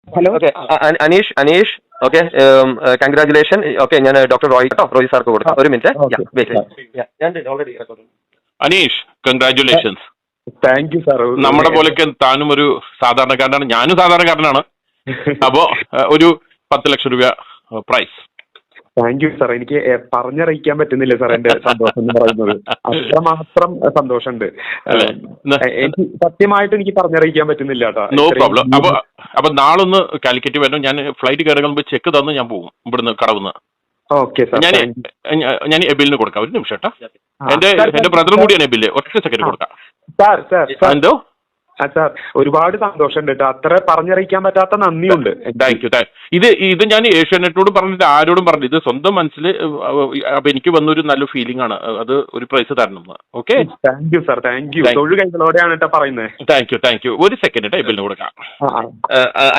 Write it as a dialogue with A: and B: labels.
A: Hello.
B: Okay, Aneesh okay, congratulation. Okay, ഞാൻ doctor Roy സാർക്ക് കൊടുക്കാം. ഒരു minute.
C: Aneesh, congratulations.
A: Thank you sir.
C: നമ്മുടെ പോലെയൊക്കെ താനും ഒരു സാധാരണക്കാരനാണ്, ഞാനും സാധാരണക്കാരനാണ്. അപ്പോ ഒരു 10 ലക്ഷം രൂപ പ്രൈസ്.
A: Thank you sir. എനിക്ക് പറഞ്ഞറിയിക്കാൻ പറ്റുന്നില്ല സാർ എന്റെ സന്തോഷം എന്ന് പറയുന്നത്. അത്രമാത്രം സന്തോഷമുണ്ട്. എനിക്ക് സത്യമായിട്ട് എനിക്ക് പറഞ്ഞറിയിക്കാൻ പറ്റുന്നില്ല കേട്ടോ.
C: No problem. അപ്പൊ നാളൊന്ന് കാലിക്കറ്റ് വരണം. ഞാൻ ഫ്ലൈറ്റ് കയറുമ്പോൾ ചെക്ക് തന്ന് ഞാൻ പോകും ഇവിടുന്ന് കടവുന്ന്.
A: Okay sir.
C: ഞാൻ എബിലിന് കൊടുക്കാം. ഒരു നിമിഷം കേട്ടോ. എന്റെ ബ്രദറും കൂടിയാണ് എബില്. ഒറ്റ സെക്കൻഡ് കൊടുക്കാം. എന്തോ
A: സാർ, ഒരുപാട് സന്തോഷമുണ്ട് കേട്ടോ. അത്ര പറഞ്ഞറിയിക്കാൻ പറ്റാത്ത നന്ദിയുണ്ട്.
C: Thank you. ഇത് ഞാൻ ഏഷ്യാനെറ്റിനോട് പറഞ്ഞിട്ട് ആരോടും പറഞ്ഞു. ഇത് സ്വന്തം മനസ്സിൽ അപ്പൊ എനിക്ക് വന്നൊരു നല്ല ഫീലിംഗ് ആണ്. അത് ഒരു പ്രൈസ് തരണം. Okay,
A: thank you sir. Thank you. തൊഴിൽ കൈകളോടെയാണ് കേട്ടോ പറയുന്നത്.
C: Thank you. ഒരു സെക്കൻഡ് കേട്ടോ, എബിലിന് കൊടുക്കാം.